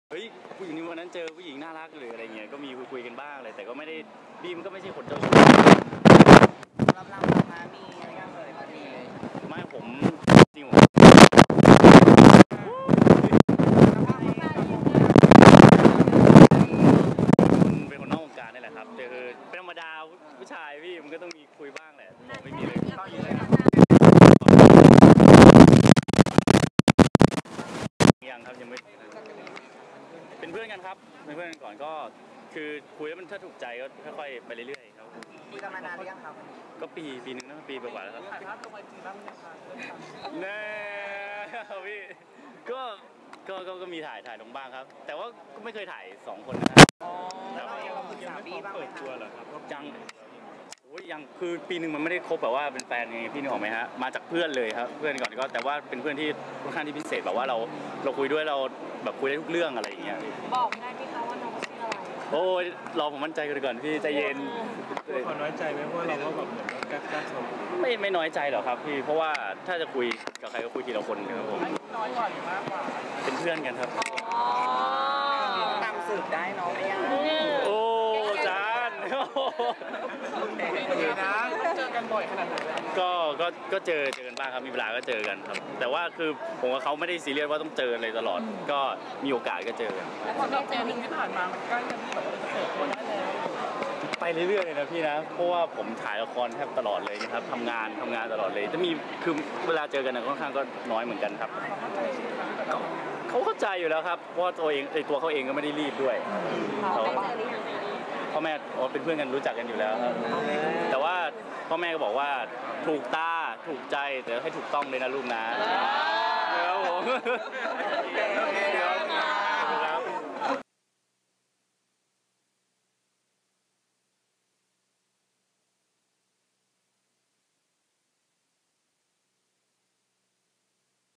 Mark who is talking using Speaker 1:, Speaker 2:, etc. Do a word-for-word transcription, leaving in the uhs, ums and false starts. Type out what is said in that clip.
Speaker 1: เฮ้ยผู้หญิงวันนั้นเจอผู้หญิงน่ารักหรืออะไรเงี้ยก็มีคุยๆกันบ้างเลยแต่ก็ไม่ได้บีมก็ไม่ใช่คนเจ้าชู้
Speaker 2: รับเรามามีอะไรกันเลยตอนนี้
Speaker 1: ไม่ผมจริงผมเป็นคนนอกวงการนี่แหละครับแต่คือเป็นธรรมดาผู้ชายพี่มันก็ต้องมีคุยบ้างแหละผมไม่มีเลยยังครับยังไม่เป็นเพื่อนกันครับเป็นเพื่อนกันก่อนก็คือคุยแล้วมันถ้าถูกใจก็ค่อยๆไปเรื่อยๆครับ
Speaker 2: คุยกันมานานหรือยังครับ
Speaker 1: ก็ปีปีหนึ่งนะปีกว่าแล้วครับ
Speaker 2: ถ่ายภาพลงไอจีบ้างไหมคะ
Speaker 1: แน่พี่ก็ก็ก็มีถ่ายถ่ายลงบ้างครับแต่ว่าก็ไม่เคยถ่ายสองคนนะครับ
Speaker 2: แล้วเรายังปรึกษาพี่บ้างไหมครับ
Speaker 1: ยังโอ้ยยังคือปีหนึ่งมันไม่ได้คบแบบว่าเป็นแฟนไงพี่นึกออกไหมฮะมาจากเพื่อนเลยครับเพื่อนก่อนก็แต่ว่าเป็นเพื่อนที่ค่อนข้างที่พิเศษแบบว่าเราเราคุยด้วยเราแบบคุยได้ทุกเรื่องอะไรอย่างเงี้ย
Speaker 3: บอกได้ไหมคะว่าน้องชื่ออะไร
Speaker 1: โอ้ยรอผมมั่นใจกันก่อนพี่ใจเย็น
Speaker 4: ขอน้อยใจไหมเพราะเราก็แบบเหมือนกล้าๆชม
Speaker 1: ไม่ไม่น้อยใจหรอกครับพี่เพราะว่าถ้าจะคุยกับใครก็คุยทีละคนครับผม
Speaker 2: น้อยกว่าหรือมากกว่า
Speaker 1: เป็นเพื่อนกันครับ
Speaker 2: ตามสืบได้น้องไม่ยาก
Speaker 1: โอ้จาน
Speaker 2: นะเจอกันบ่อยขนาดไหน
Speaker 1: ก็ก็ก็เจอเจอกันบ้างครับมีเวลาก็เจอกันครับแต่ว่าคือผมกับเขาไม่ได้ซีเรียสว่าต้องเจอเลยตลอดก็มีโอกาสก็เจอกัน
Speaker 2: แล้วพอเราเจอหนึ่งที่ผ่านมามันใกล้จะมีแบบเปิดตัวได้แล้ว
Speaker 1: ไปเรื่อยๆเลยนะพี่นะเพราะว่าผมถ่ายละครแทบตลอดเลยนะครับทำงานทำงานตลอดเลยจะมีคือเวลาเจอกันค่อนข้างก็น้อยเหมือนกันครับเขาเข้าใจอยู่แล้วครับเพราะตัวเองไอตัวเขาเองก็ไม่ได้รีบด้วยเขาพ่อแม่เป็นเพื่อนกันรู้จักกันอยู่แล้วครับแต่ว่าพ่อแม่ก็บอกว่าถูกตาถูกใจแต่ให้ถูกต้องเลยนะลูกนะแล้วผม